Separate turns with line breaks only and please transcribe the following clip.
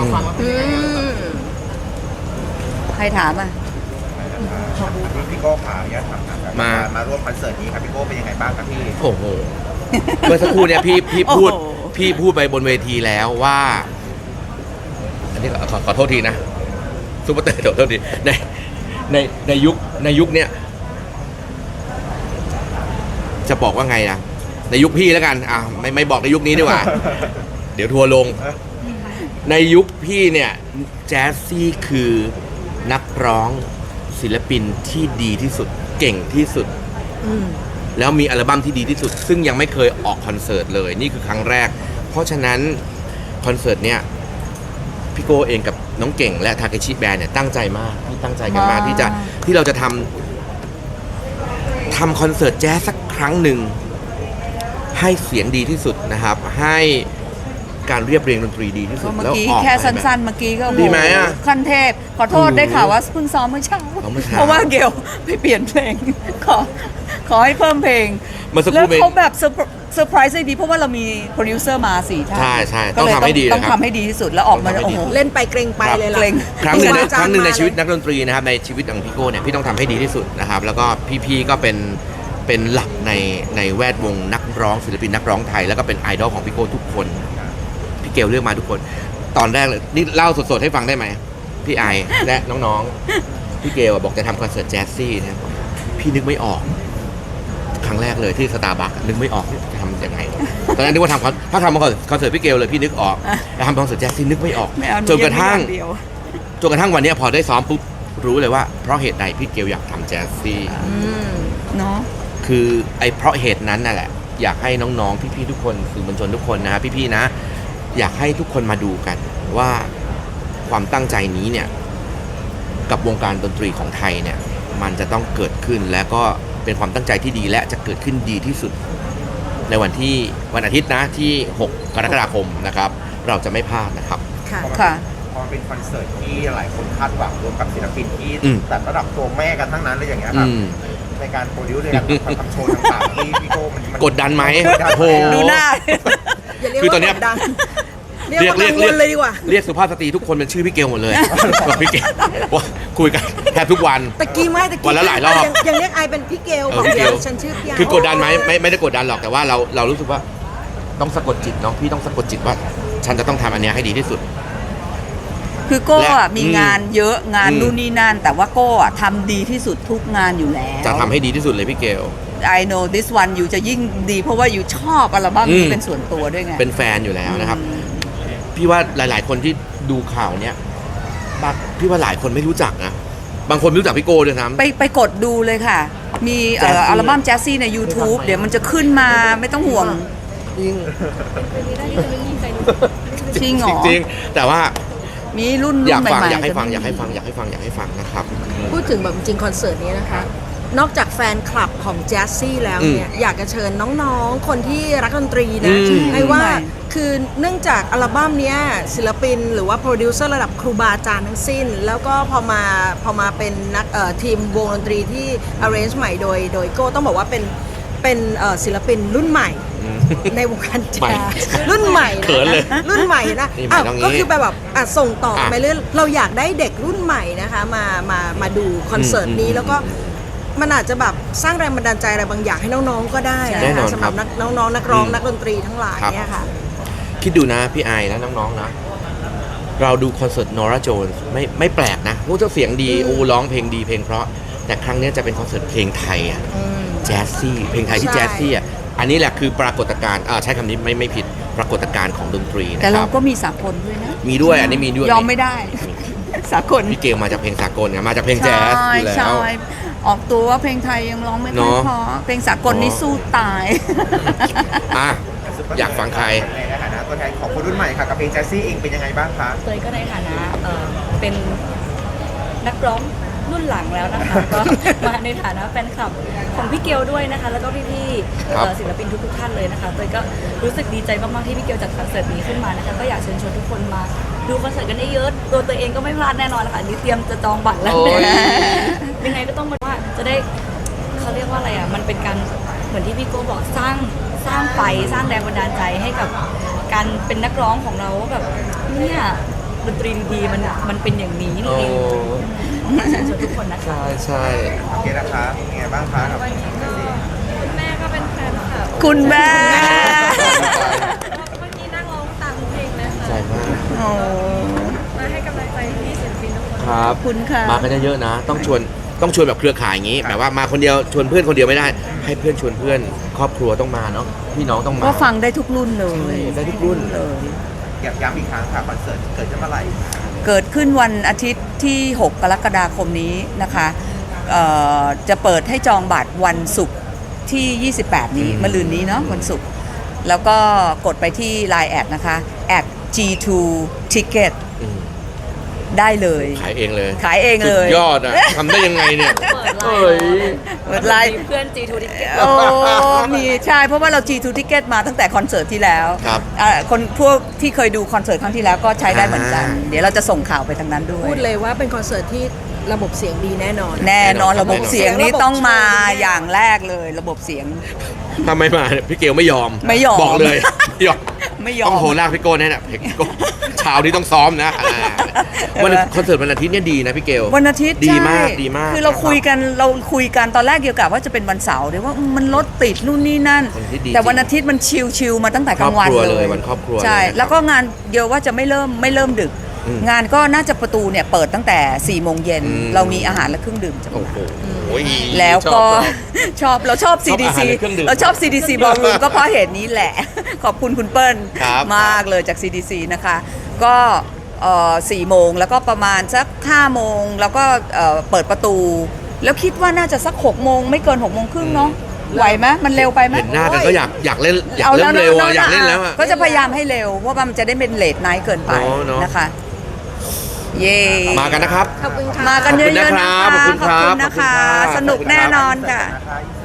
ฟังแล้วเป็นยังไงบ้างครับ
ใครถามอ่ะ
พี่โก้ขาอยากถามครับมาร่วมคอนเสิร์ตนี้ครับพี่โก้เป็นยังไงบ้างครับพี่
โอ้โหเมื่อสักครู่เนี่ยพี่พูดไปบนเวทีแล้วว่าอันนี้ขอโทษทีนะซุปเปอร์เตอร์ขอโทษทีในยุคเนี้ยจะบอกว่าไงนะในยุคพี่แล้วกันไม่บอกในยุคนี้ดีกว่า เดี๋ยวทัวร์ลงในยุคพี่เนี่ยแจ๊สซี่คือนักร้องศิลปินที่ดีที่สุดเก่งที่สุดแล้วมีอัลบั้มที่ดีที่สุดซึ่งยังไม่เคยออกคอนเสิร์ตเลยนี่คือครั้งแรกเพราะฉะนั้นคอนเสิร์ตเนี่ยพี่โก้เองกับน้องเก่งและทาเคชิแบนด์เนี่ยตั้งใจมากที่ตั้งใจกันมากที่เราจะทำคอนเสิร์ตแจ๊สสักครั้งหนึ่งให้เสียงดีที่สุดนะครับให้การเรียบเรียงดนตรีดีที่สุด
เมื่อกี้แค่สั้นๆเมื่อกี้ก็
ดีไหมอ่ะ
ขั้นเทพขอโทษได้ข่าวว่าเพิ่งซ้อมเมื่อเช้าเพราะว่าเกลไปเปลี่ยนเพลงขอให้เพิ่มเพลงแล้วเขาแบบเซอร์ไพรส์ได้ดีเพราะว่าเรามีโปรดิวเซอร์มา4 ท่าน
ใช่ต้องทำให้ดี
ต้องทำให้ดีที่สุดแล้วออกมาโอ้โห
เล่นไปเกรงไปเลยล่ะ
ครั้งหนึ่งในชีวิตนักดนตรีนะครับในชีวิตของพี่โก้เนี่ยพี่ต้องทำให้ดีที่สุดนะครับแล้วก็พี่ก็เป็นหลักในแวดวงนักร้องศิลปินนักร้องไทยแล้วก็เป็นไอดอลของพี่โก้ทุกคนพี่เกลเลือกมาทุกคนตอนแรกเลยนี่เล่าสดๆให้ฟังได้ไหมพี่ไอและน้องๆพี่เกลบอกจะทำคอนเสิร์ตแจ๊สซี่นะพี่นึกไม่ออกครั้งแรกเลยที่สตาร์บัคนึกไม่ออกจะทำยังไงตอนนั้นนึกว่าถ้าทำคอนเสิร์ตพี่เกลเลยพี่นึกออกแต่ทำคอนเสิร์ตแจ๊สซี่นึกไม่ออกจนกระทั่งวันนี้พอได้ซ้อมปุ๊บรู้เลยว่าเพราะเหตุใดพี่เกลอยากทำแจ๊สซี่
เนาะ
คือเพราะเหตุนั้นน่ะแหละอยากให้น้องๆพี่ๆทุกคนสื่อมวลชนทุกคนนะพี่ๆนะอยากให้ทุกคนมาดูกันว่าความตั้งใจนี้เนี่ยกับวงการดนตรีของไทยเนี่ยมันจะต้องเกิดขึ้นและก็เป็นความตั้งใจที่ดีและจะเกิดขึ้นดีที่สุดในวันอาทิตย์นะที่6 กรกฎาคมนะครับเราจะไม่พลาดนะครับ
ค่ะ
พอเป็นคอนเสิร์ตที่หลายคนคาดหวังรวมกับศิลปินที่แต่ระดับตัวแม่กันทั้งนั้นเลยอย่างเงี้ยครับในการโปรดิวซ์ในการทำโชว์ต่างๆที่พี่โก้มัน
กดดันไหมโห
ดูหน้า
คือตอนนี้
เรียกเลยดีกว่า
เรียกสุภาพสตรีทุกคนเป็นชื่อพี่เกลหมดเลยพี่เกลคุยกันแทบทุกวัน
ตะกี้
วันละหลายรอบ
ยังเรียกไอเป็นพี่เกลบอกเดี๋ยวฉันชื่อพี่
คือกดดันไหมไม่ได้กดดันหรอกแต่ว่าเรารู้สึกว่าต้องสะกดจิตน้องพี่ต้องสะกดจิตว่าฉันจะต้องทำอันนี้ให้ดีที่สุด
คือโก้มีงานเยอะงานนู่นนี่นั่นแต่ว่าโก้ทำดีที่สุดทุกงานอยู่แล้ว
จะทำให้ดีที่สุดเลยพี่เกล
I know this one อยู่จะยิ่งดีเพราะว่าอยู่ชอบอัลบั้มนี้เป็นส่วนตัวด้วยไง
เป็นแฟนอยู่แล้วนะครับพี่ว่าหลายๆคนที่ดูข่าวเนี้ยพี่ว่าหลายคนไม่รู้จักนะบางคนไม่รู้จักพี่โก้ด้วยซ้
ำไปกดดูเลยค่ะมีอัลบั้มแจ๊สซี่ใน YouTube เดี๋ยวมันจะขึ้นมาไม่ต้องห่วงจริงเหรอ
จริงแต่ว่า
มีรุ่น
อยากฟัง
ใหม่ๆ
อยากให้ฟังนะครับ
พูดถึงแบบจริงคอนเสิร์ตนี้นะคะนอกจากแฟนคลับของแจ๊สซี่แล้วเนี่ยอยากจะเชิญน้องๆคนที่รักดนตรีนะให้ว่าคือเนื่องจากอัลบั้มนี้ศิลปินหรือว่าโปรดิวเซอร์ระดับครูบาอาจารย์ทั้งสิ้นแล้วก็พอมาเป็นนักทีมวงดนตรีที่ arrange ใหม่โดยโก้ต้องบอกว่าเป็นศิลปินรุ่นใหม่ในวงการแจ๊สรุ่นใหม่รุ่นใหม่นะก็คือแบบส่งต่อไปเรื่อยเราอยากได้เด็กรุ่นใหม่นะคะมาดูคอนเสิร์ตนี้แล้วก็มันอาจจะแบบสร้างแรงบันดาลใจอะไรบางอย่างให้น้องๆก็ได้นะคะสำหรับน้องๆนักร้องนักดนตรีทั้งหลายเนี่ยค่ะ
คิดดูนะพี่ไอนะน้องๆนะเราดูคอนเสิร์ตนอร่าโจนส์ไม่แปลกนะพวกเจ้าเสียงดีร้องเพลงดีเพลงเพราะแต่ครั้งนี้จะเป็นคอนเสิร์ตเพลงไทยแจ๊สซี่เพลงไทยที่แจ๊สซี่อันนี้แหละคือปรากฏการณ์ใช้คำนี้ไม่ผิดปรากฏการณ์ของดนตรีนะครับ
แต่เราก็มีสากลด้วยนะ
มีด้วยอันนี้มีด้วย
ยอมไม่ได้สากล
พี่เกลมาจากเพลงสากลมาจากเพลงแจ๊สอยู่แล้ว
ออกตัวว่าเพลงไทยยังร้องไม่ค่อยพอเพลงสากลนี่สู้ตาย
อยากฟังใคร
ในฐานะตัวแทนของคนรุ่นใหม่ค่ะกับเพลงแจ๊สซี่เองเป็นยังไงบ้างคะ
เตยก็ในฐานะเป็นนักร้องรุ่นหลังแล้วนะคะก็มาในฐานะแฟนคลับของพี่เกลด้วยนะคะแล้วก็พี่ๆศิลปินทุกท่านเลยนะคะเตยก็รู้สึกดีใจมากๆที่พี่เกลจัดคอนเสิร์ตนี้ขึ้นมานะคะก็อยากเชิญชวนทุกคนมาดูคอนเสิร์ตกันได้เยอะตัวเตยเองก็ไม่พลาดแน่นอนนะคะนี่เตรียมจะจองบัตรแล้วยังไงก็ต้องมาว่าจะได้เขาเรียกว่าอะไรมันเป็นการเหมือนที่พี่โก้บอกสร้างไฟสร้างแรงบันดาลใจให้กับการเป็นนักร้องของเราแบบเนี่ยดนตรีดีๆมันเป็นอย่างนี้นี่
โอ้
เองเชิญชวนทุกคนนะคะ
ใช่ใช่
โอเคนะคะเป็นไงบ้างคะกับ
คุณแม่ก็เป็นแฟนคลับ
คุณแม่
เมื่อกี้นั่งร้องตามเพลงเลยค่ะ
ใจมาก
โอ้
มาให้กำลังใจพี่ศิลปินทุกคน
ครับ
ขอบคุณค่ะ
มากันเยอะๆนะ ต้องชวนแบบเครือข่ายอย่างนี้แบบว่ามาคนเดียวชวนเพื่อนคนเดียวไม่ได้ ให้เพื่อนชวนเพื่อนครอบครัวต้องมาเนาะพี่น้องต้องมา
ก็ฟังได้ทุกรุ่นเลย
ได้ทุกรุ่น
เลย
ย้ำอีกครั้งค่ะคอนเสิร์ตเกิดขึ้นเมื่อไหร่
เกิดขึ้นวันอาทิตย์ที่ 6 กรกฎาคมนี้นะคะจะเปิดให้จองบัตรวันศุกร์ที่ 28 นี้มะรืนนี้เนาะวันศุกร์แล้วก็กดไปที่ Line แอดนะคะแอด G2 Ticket
อืม
ได้เลย
ขายเองเลย
ขายเองเลย
สุดยอดอ่ะทำได้ยังไงเนี่ย
เปิดไล
เอ้ย
น์
เปิดไลน์
มีเพื่อน G2 Ticket
โอ้มีใช่เพราะว่าเรา G2 Ticket มาตั้งแต่คอนเสิร์ตที่แล้ว
ครับ
คนพวกที่เคยดูคอนเสิร์ตครั้งที่แล้วก็ใช้ได้เหมือนกัน
อ่า
เดี๋ยวเราจะส่งข่าวไปทางนั้นด้วย
พูดเลยว่าเป็นคอนเสิร์ตที่ระบบเสียงดีแน่นอน
แน่นอน
แน่นอน
ระบบเสียงนี่ต้องมา
ระบบโชว์ดีแน่
อย่างแรกเลยระบบเสียง
ถ้าไม่มาเนี่ยพี่เกลไม่ยอม
ไม่ยอม
บอกเลยไม่ยอม
ไม่ยอม
ต้องโหลากพี่โก้แน่น่ะพี่โก้เช้านี้ต้องซ้อมนะวันคอนเสิร์ตวันอาทิตย์เนี่ยดีนะพี่เกล
วันอาทิตย์
ดีมาก
ใช่
ดีมาก
คือเราคุยกันตอนแรกเกี่ยวกับว่าจะเป็นวันเสาร์เดี๋ยวว่ามันรถติดนู่นนี่นั่น
วันอาทิตย์ดี
แต่วันอาทิตย์มันชิลๆมาตั้งแต่กลางวัน
ครอบครัว
เล
เลย ยวันครอบครัว
ใช่
เลยนะครับ
แล้วก็งานเดียวว่าจะไม่เริ่มดึก
อืม
งานก็น่าจะประตูเนี่ยเปิดตั้งแต่4 โมงเย็น
อืม
เรามีอาหารและเครื่องดื่มจำห
โอ้
น่าย
โห
แล้วก็
ชอบ
เราชอบ
ชอบอาหาร
CDC
และเครื่องดื่ม
เราชอบ CDC Ballroom ก็เพราะเหตุนี้แหละ ขอบคุณคุณเปิ้ล
ครับ
มากเลยจาก CDC นะคะ ก็4 โมงแล้วก็ประมาณสัก5 โมงแล้วก็เปิดประตู แล้วคิดว่าน่าจะสัก6 โมงไม่เกิน6 โมงครึ่งเนาะไหวไหมมันเร็วไปไหม
เห็นหน้ากันก็อยากเล่นเร็วอ่ะอยากเล่นแล้วอ่ะ
ก็จะพยายามให้เร็วเพราะว่ามันจะได้เป็นเลทไนท์เกินไป
เนอะ
นะคะ เย่
มากันนะครับ
ขอบคุณค่ะ
มากันเยอะๆนะคะ
ขอบคุณครับ
ขอบคุณนะคะ
ขอบคุณครับ
สนุกแน่นอนค่ะ
นะคะ